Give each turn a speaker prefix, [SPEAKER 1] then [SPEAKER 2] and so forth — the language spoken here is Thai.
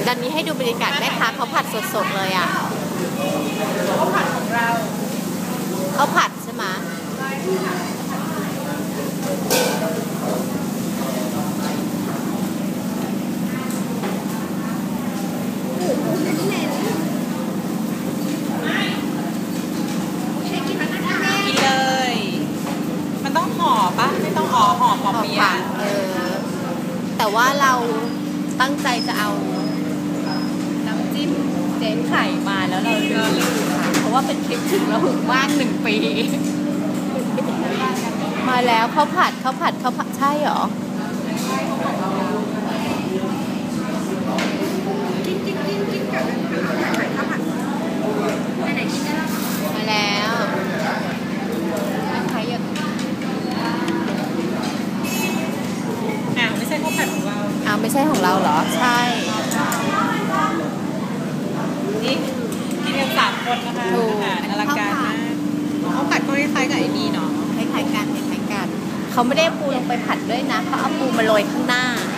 [SPEAKER 1] ตอนนี้ให้ดูบรรยากาศแม่ค้าเขาผัดสดๆเลยอ่ะ
[SPEAKER 2] ข้าวผัดของเรา
[SPEAKER 1] เขาผัดใช่ไหม
[SPEAKER 2] กินเลย มันต้องห่อปะไม่ต้องห่อปอเปี๊ยะ
[SPEAKER 1] แต่ว่าเราตั้งใจจะเอาน้ำจิ้มเจ๊ไข่มาแล้วเราลืมค่ะเพราะว่าเป็นคลิปถึงเราหึงว่าง1 ปีมาแล้วข้าวผัดใช่หรอ
[SPEAKER 2] กินกับข้าวผัดอันไหนกินได้แล้ว
[SPEAKER 1] มาแล้วนะคะอย่าง
[SPEAKER 2] ไม่ใช่ข้าวผัดของเรา
[SPEAKER 1] ไม่ใช่ของเราเหรอใช่
[SPEAKER 2] นี่กินกัน3 คนนะคะอลังการมากข้าวผัดก็คล้ายๆกับไอ้นี่เนาะ
[SPEAKER 1] คล้ายๆกันเขาไม่ได้ปูลงไปผัดด้วยนะเขาเอาปูมาโรยข้างหน้า